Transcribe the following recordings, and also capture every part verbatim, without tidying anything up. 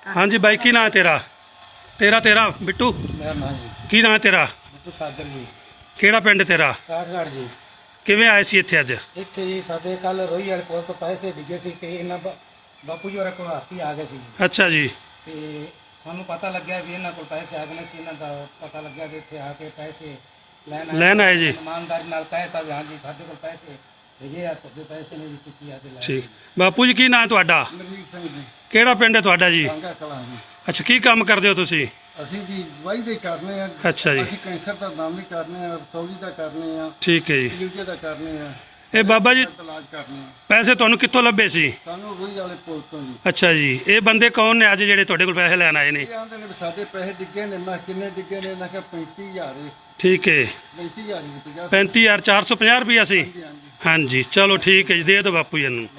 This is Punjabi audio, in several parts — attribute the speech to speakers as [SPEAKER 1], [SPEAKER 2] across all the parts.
[SPEAKER 1] हाँ जी बाई की नाम है तेरा तेरा तेरा बिट्टू
[SPEAKER 2] मेरा नाम जी
[SPEAKER 1] की नाम है तेरा
[SPEAKER 2] ਬਿੱਟੂ ਸਾਦਰ ਜੀ
[SPEAKER 1] ਕਿਹੜਾ ਪਿੰਡ ਤੇਰਾ
[SPEAKER 2] ਕਾਠਗੜ੍ਹ ਜੀ।
[SPEAKER 1] ਕਿਵੇਂ ਆਏ ਸੀ ਇੱਥੇ ਅੱਜ
[SPEAKER 2] ਇੱਥੇ ਜੀ ਸਾਡੇ ਕੱਲ ਰੋਈ ਵਾਲੇ ਕੋਲ ਤੋਂ ਪੈਸੇ ਡਿੱਗੇ ਸੀ ਤੇ ਇਹਨਾਂ ਬਾ- ਬਾਪੂ ਜੀ ਹੋਰਾਂ ਕੋਲ ਹਾਥੀ ਆ ਗਏ ਸੀ ਜੀ।
[SPEAKER 1] ਅੱਛਾ ਜੀ
[SPEAKER 2] ਤੇ ਸਾਨੂੰ ਪਤਾ ਲੱਗਿਆ ਵੀ ਇਹਨਾਂ ਕੋਲ ਪੈਸੇ ਆ ਗਏ ਸੀ। ਇਹਨਾਂ ਦਾ ਪਤਾ ਲੱਗਿਆ ਵੀ ਇੱਥੇ ਆ ਕੇ ਪੈਸੇ ਲੈਣ
[SPEAKER 1] ਲੈਣ ਆਏ ਜੀ
[SPEAKER 2] ਇਮਾਨਦਾਰੀ ਨਾਲ ਕਹਿਤਾ ਵੀ ਹਾਂਜੀ ਸਾਡੇ ਕੋਲ ਪੈਸੇ ਹੈਗੇ ਆ, ਤੁਹਾਡੇ ਪੈਸੇ ਨੇ ਜੀ, ਤੁਸੀਂ ਆ ਕੇ ਲੈ
[SPEAKER 1] ਠੀਕ ਬਾਪੂ ਜੀ ਕੀ ਨਾਮ ਹੈ ਤੁਹਾਡਾ
[SPEAKER 3] ਮਨਜੀਤ ਸਿੰਘ ਜੀ
[SPEAKER 1] ਕਿਹੜਾ ਪਿੰਡ ਹੈ ਤੁਹਾਡਾ ਜੀ
[SPEAKER 3] ਕਾਂਗਾ ਕਲਾਂ ਜੀ।
[SPEAKER 1] ਅੱਛਾ ਕੀ ਕੰਮ ਕਰਦੇ ਹੋ ਤੁਸੀਂ
[SPEAKER 3] ਅਸੀਂ ਜੀ ਵਾਈ ਦੇ ਕਰਨੇ ਆ।
[SPEAKER 1] ਅੱਛਾ ਜੀ
[SPEAKER 3] ਅਸੀਂ ਕੈਂਸਰ ਦਾ ਨਾਮ ਵੀ ਕਰਨੇ ਆ, ਰਸੌਲੀ ਦਾ ਕਰਨੇ ਆ,
[SPEAKER 1] ਠੀਕ ਹੈ ਜੀ
[SPEAKER 3] ਯੂਕੇ ਦਾ ਕਰਨੇ ਆ,
[SPEAKER 1] ਇਹ ਬਾਬਾ ਜੀ
[SPEAKER 3] ਦਾ ਇਲਾਜ ਕਰਨੇ ਆ।
[SPEAKER 1] ਪੈਸੇ ਤੁਹਾਨੂੰ ਕਿੱਥੋਂ ਲੱਭੇ ਸੀ
[SPEAKER 3] ਸਾਨੂੰ ਰੋਈ ਵਾਲੇ ਪੁਲ ਤੋਂ ਜੀ।
[SPEAKER 1] ਅੱਛਾ ਜੀ ਇਹ ਬੰਦੇ ਕੌਣ ਨੇ ਅੱਜ ਜਿਹੜੇ ਤੁਹਾਡੇ ਕੋਲ ਪੈਸੇ ਲੈਣ ਆਏ ਨੇ
[SPEAKER 3] ਇਹ ਆਂਦੇ ਨੇ ਵੀ ਸਾਡੇ ਪੈਸੇ ਡਿੱਗੇ ਨੇ। ਮੈਂ ਕਿਹਾ ਕਿੰਨੇ ਡਿੱਗੇ ਨੇ? ਇਹਨਾਂ ਕਿਹਾ ਪੈਂਤੀ ਹਜ਼ਾਰ ਏ।
[SPEAKER 1] ਠੀਕ ਹੈ
[SPEAKER 3] ਪੈਂਤੀ ਹਜ਼ਾਰ ਹੀ ਪੰਜਾਹ
[SPEAKER 1] ਪੈਂਤੀ ਹਜ਼ਾਰ ਚਾਰ ਸੌ ਪੰਜਾਹ ਰੁਪਈਆ ਸੀ
[SPEAKER 3] ਹਾਂਜੀ ਹਾਂਜੀ।
[SPEAKER 1] ਹਾਂਜੀ ਚਲੋ ਠੀਕ ਹੈ ਜੀ ਦੇ ਦਿਓ ਬਾਪੂ ਜੀ ਨੂੰ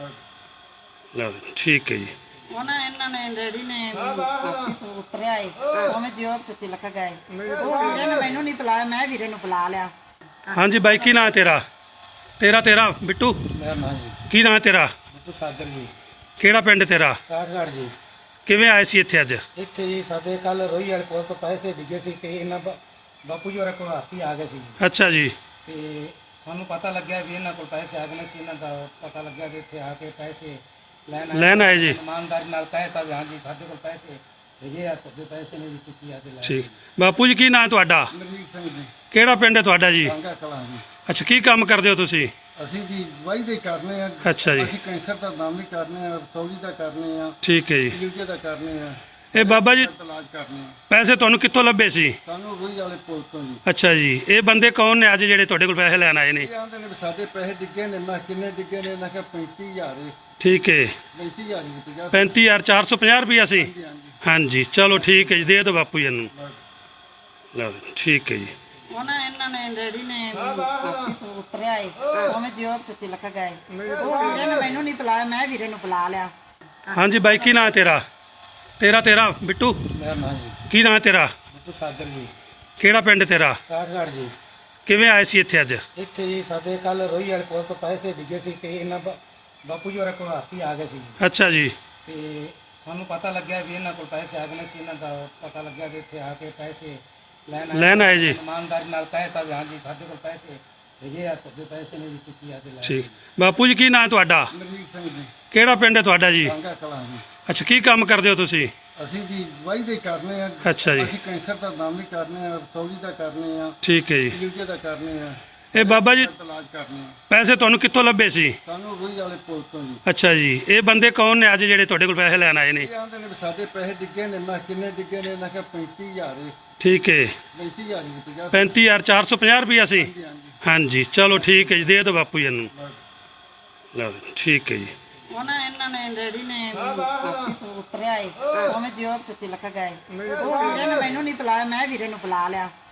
[SPEAKER 1] ਲਓ ਜੀ, ਠੀਕ ਹੈ ਜੀ
[SPEAKER 4] ਉਹਨਾਂ ਇਹਨਾਂ ਨੇ ਡੈਡੀ ਨੇ ਹਾਥੀ ਤੋਂ ਉਤਰਿਆ ਏ ਉਵੇਂ ਜੋਬ ਚ ਤਿਲਕ ਗਏ। ਉਹ ਵੀਰੇ ਨੇ ਮੈਨੂੰ ਨਹੀਂ ਬੁਲਾਇਆ, ਮੈਂ ਵੀਰੇ ਨੂੰ ਬੁਲਾ ਲਿਆ।
[SPEAKER 1] ਹਾਂਜੀ ਬਾਈ ਕੀ ਨਾਮ ਹੈ ਤੇਰਾ ਤੇਰਾ ਤੇਰਾ ਬਿੱਟੂ
[SPEAKER 2] ਮੇਰਾ ਨਾਮ ਜੀ
[SPEAKER 1] ਕੀ ਨਾਮ ਹੈ ਤੇਰਾ
[SPEAKER 2] ਬਿੱਟੂ ਸਾਦਰ ਜੀ।
[SPEAKER 1] ਕਿਹੜਾ ਪਿੰਡ ਤੇਰਾ
[SPEAKER 2] ਕਾਠਗੜ੍ਹ ਜੀ।
[SPEAKER 1] ਕਿਵੇਂ ਆਏ ਸੀ ਇੱਥੇ ਅੱਜ
[SPEAKER 2] ਇੱਥੇ ਜੀ ਸਾਡੇ ਕੱਲ ਰੋਈ ਵਾਲੇ ਕੋਲ ਤੋਂ ਪੈਸੇ ਡਿੱਗੇ ਸੀ ਤੇ ਇਹਨਾਂ ਬਾ- ਬਾਪੂ ਜੀ ਹੋਰਾਂ ਕੋਲ ਹਾਥੀ ਆ ਗਏ ਸੀ ਜੀ।
[SPEAKER 1] ਅੱਛਾ ਜੀ
[SPEAKER 2] ਤੇ ਸਾਨੂੰ ਪਤਾ ਲੱਗਿਆ ਵੀ ਇਹਨਾਂ ਕੋਲ ਪੈਸੇ ਆ ਗਏ ਸੀ। ਇਹਨਾਂ ਦਾ ਪਤਾ ਲੱਗਿਆ ਵੀ ਇੱਥੇ ਆ ਕੇ ਪੈਸੇ ਲੈਣ
[SPEAKER 1] ਲੈਣ ਆਏ ਜੀ
[SPEAKER 2] ਇਮਾਨਦਾਰੀ ਨਾਲ ਕਹਿਤਾ ਵੀ ਹਾਂਜੀ ਸਾਡੇ ਕੋਲ ਪੈਸੇ ਹੈਗੇ ਆ, ਤੁਹਾਡੇ ਪੈਸੇ ਨੇ ਜੀ, ਤੁਸੀਂ ਆ ਕੇ ਲੈ
[SPEAKER 1] ਠੀਕ ਬਾਪੂ ਜੀ ਕੀ ਨਾਮ ਹੈ ਤੁਹਾਡਾ
[SPEAKER 3] ਮਨਜੀਤ ਸਿੰਘ ਜੀ
[SPEAKER 1] ਕਿਹੜਾ ਪਿੰਡ ਹੈ ਤੁਹਾਡਾ ਜੀ
[SPEAKER 3] ਕਾਂਗਾ ਕਲਾਂ ਜੀ।
[SPEAKER 1] ਅੱਛਾ ਕੀ ਕੰਮ ਕਰਦੇ ਹੋ ਤੁਸੀਂ
[SPEAKER 3] ਅਸੀਂ ਜੀ ਵਾਈ ਦੇ ਕਰਨੇ ਆ।
[SPEAKER 1] ਅੱਛਾ ਜੀ
[SPEAKER 3] ਅਸੀਂ ਕੈਂਸਰ ਦਾ ਨਾਮ ਵੀ ਕਰਨੇ ਆ, ਰਸੌਲੀ ਦਾ ਕਰਨੇ ਆ,
[SPEAKER 1] ਠੀਕ ਹੈ ਜੀ
[SPEAKER 3] ਯੂਕੇ ਦਾ ਕਰਨੇ ਆ,
[SPEAKER 1] ਇਹ ਬਾਬਾ ਜੀ
[SPEAKER 3] ਦਾ ਇਲਾਜ ਕਰਨੇ ਆ।
[SPEAKER 1] ਪੈਸੇ ਤੁਹਾਨੂੰ ਕਿੱਥੋਂ ਲੱਭੇ ਸੀ
[SPEAKER 3] ਸਾਨੂੰ ਰੋਈ ਵਾਲੇ ਪੁਲ ਤੋਂ ਜੀ।
[SPEAKER 1] ਅੱਛਾ ਜੀ ਇਹ ਬੰਦੇ ਕੌਣ ਨੇ ਅੱਜ ਜਿਹੜੇ ਤੁਹਾਡੇ ਕੋਲ ਪੈਸੇ ਲੈਣ ਆਏ ਨੇ
[SPEAKER 3] ਇਹ ਆਂਦੇ ਨੇ ਵੀ ਸਾਡੇ ਪੈਸੇ ਡਿੱਗੇ ਨੇ। ਮੈਂ ਕਿਹਾ ਕਿੰਨੇ ਡਿੱਗੇ ਨੇ? ਇਹਨਾਂ ਕਿਹਾ ਪੈਂਤੀ ਹਜ਼ਾਰ ਏ।
[SPEAKER 1] ਠੀਕ ਹੈ
[SPEAKER 3] ਪੈਂਤੀ ਹਜ਼ਾਰ ਹੀ ਪੰਜਾਹ
[SPEAKER 1] ਪੈਂਤੀ ਹਜ਼ਾਰ ਚਾਰ ਸੌ ਪੰਜਾਹ ਰੁਪਈਆ ਸੀ
[SPEAKER 3] ਹਾਂਜੀ ਹਾਂਜੀ।
[SPEAKER 1] ਹਾਂਜੀ ਚਲੋ ਠੀਕ ਹੈ ਜੀ ਦੇ ਦਿਓ ਬਾਪੂ ਜੀ ਨੂੰ ਲਓ ਜੀ, ਠੀਕ ਹੈ ਜੀ
[SPEAKER 4] ਉਹਨਾਂ ਇਹਨਾਂ ਨੇ ਡੈਡੀ ਨੇ ਹਾਥੀ ਤੋਂ ਉਤਰਿਆ ਏ ਉਵੇਂ ਜੋਬ ਚ ਤਿਲਕ ਗਏ। ਉਹ ਵੀਰੇ ਨੇ ਮੈਨੂੰ ਨਹੀਂ ਬੁਲਾਇਆ, ਮੈਂ ਵੀਰੇ ਨੂੰ ਬੁਲਾ ਲਿਆ।
[SPEAKER 1] ਹਾਂਜੀ ਬਾਈ ਕੀ ਨਾਮ ਹੈ ਤੇਰਾ ਤੇਰਾ ਤੇਰਾ ਬਿੱਟੂ
[SPEAKER 2] ਮੇਰਾ ਨਾਮ ਜੀ
[SPEAKER 1] ਕੀ ਨਾਮ ਹੈ ਤੇਰਾ
[SPEAKER 2] ਬਿੱਟੂ ਸਾਦਰ ਜੀ।
[SPEAKER 1] ਕਿਹੜਾ ਪਿੰਡ ਤੇਰਾ
[SPEAKER 2] ਕਾਠਗੜ੍ਹ ਜੀ।
[SPEAKER 1] ਕਿਵੇਂ ਆਏ ਸੀ ਇੱਥੇ ਅੱਜ
[SPEAKER 2] ਇੱਥੇ ਜੀ ਸਾਡੇ ਕੱਲ ਰੋਈ ਵਾਲੇ ਕੋਲ ਤੋਂ ਪੈਸੇ ਡਿੱਗੇ ਸੀ ਤੇ ਇਹਨਾਂ ਬਾ- ਬਾਪੂ ਜੀ ਹੋਰਾਂ ਕੋਲ ਹਾਥੀ ਆ ਗਏ ਸੀ ਜੀ।
[SPEAKER 1] ਅੱਛਾ ਜੀ
[SPEAKER 2] ਤੇ ਸਾਨੂੰ ਪਤਾ ਲੱਗਿਆ ਵੀ ਇਹਨਾਂ ਕੋਲ ਪੈਸੇ ਆ ਗਏ ਸੀ। ਇਹਨਾਂ ਦਾ ਪਤਾ ਲੱਗਿਆ ਵੀ ਇੱਥੇ ਆ ਕੇ ਪੈਸੇ ਲੈਣ
[SPEAKER 1] ਲੈਣ ਆਏ ਜੀ
[SPEAKER 2] ਇਮਾਨਦਾਰੀ ਨਾਲ ਕਹਿਤਾ ਵੀ ਹਾਂਜੀ ਸਾਡੇ ਕੋਲ ਪੈਸੇ ਹੈਗੇ ਆ, ਤੁਹਾਡੇ ਪੈਸੇ ਨੇ ਜੀ, ਤੁਸੀਂ ਆ ਕੇ ਲੈ
[SPEAKER 1] ਠੀਕ ਬਾਪੂ ਜੀ ਕੀ ਨਾਮ ਹੈ ਤੁਹਾਡਾ
[SPEAKER 3] ਮਨਜੀਤ ਸਿੰਘ ਜੀ
[SPEAKER 1] ਕਿਹੜਾ ਪਿੰਡ ਹੈ ਤੁਹਾਡਾ ਜੀ
[SPEAKER 3] ਕਾਂਗਾ ਕਲਾਂ ਜੀ।
[SPEAKER 1] ਅੱਛਾ ਕੀ ਕੰਮ ਕਰਦੇ ਹੋ ਤੁਸੀਂ
[SPEAKER 3] ਅਸੀਂ ਜੀ ਵਾਈ ਦੇ ਕਰਨੇ ਆ।
[SPEAKER 1] ਅੱਛਾ ਜੀ
[SPEAKER 3] ਅਸੀਂ ਕੈਂਸਰ ਦਾ ਨਾਮ ਵੀ ਕਰਨੇ ਆ, ਰਸੌਲੀ ਦਾ ਕਰਨੇ ਆ,
[SPEAKER 1] ਠੀਕ ਹੈ ਜੀ
[SPEAKER 3] ਯੂਕੇ ਦਾ ਕਰਨੇ ਆ,
[SPEAKER 1] ਇਹ ਬਾਬਾ ਜੀ
[SPEAKER 3] ਦਾ ਇਲਾਜ ਕਰਨੇ ਆ।
[SPEAKER 1] ਪੈਸੇ ਤੁਹਾਨੂੰ ਕਿੱਥੋਂ ਲੱਭੇ ਸੀ
[SPEAKER 3] ਸਾਨੂੰ ਰੋਈ ਵਾਲੇ ਪੁਲ ਤੋਂ ਜੀ।
[SPEAKER 1] ਅੱਛਾ ਜੀ ਇਹ ਬੰਦੇ ਕੌਣ ਨੇ ਅੱਜ ਜਿਹੜੇ ਤੁਹਾਡੇ ਕੋਲ ਪੈਸੇ ਲੈਣ ਆਏ ਨੇ
[SPEAKER 3] ਇਹ ਆਂਦੇ ਨੇ ਵੀ ਸਾਡੇ ਪੈਸੇ ਡਿੱਗੇ ਨੇ। ਮੈਂ ਕਿਹਾ ਕਿੰਨੇ ਡਿੱਗੇ ਨੇ? ਇਹਨਾਂ ਕਿਹਾ ਪੈਂਤੀ ਹਜ਼ਾਰ ਏ।
[SPEAKER 1] ਠੀਕ ਹੈ
[SPEAKER 3] ਪੈਂਤੀ ਹਜ਼ਾਰ ਹੀ ਪੰਜਾਹ
[SPEAKER 1] ਪੈਂਤੀ ਹਜ਼ਾਰ ਚਾਰ ਸੌ ਪੰਜਾਹ ਰੁਪਈਆ ਸੀ
[SPEAKER 3] ਹਾਂਜੀ ਹਾਂਜੀ।
[SPEAKER 1] ਹਾਂਜੀ ਚਲੋ ਠੀਕ ਹੈ ਜੀ ਦੇ ਦਿਓ ਬਾਪੂ ਜੀ ਨੂੰ ਲਓ ਜੀ, ਠੀਕ ਹੈ ਜੀ
[SPEAKER 4] ਉਹਨਾਂ ਇਹਨਾਂ ਨੇ ਡੈਡੀ ਨੇ ਹਾਥੀ ਤੋਂ ਉਤਰਿਆ ਏ ਉਵੇਂ ਜੋਬ ਚ ਤਿਲਕ ਗਏ। ਉਹ ਵੀਰੇ ਨੇ ਮੈਨੂੰ ਨਹੀਂ ਬੁਲਾਇਆ, ਮੈਂ ਵੀਰੇ ਨੂੰ ਬੁਲਾ ਲਿਆ।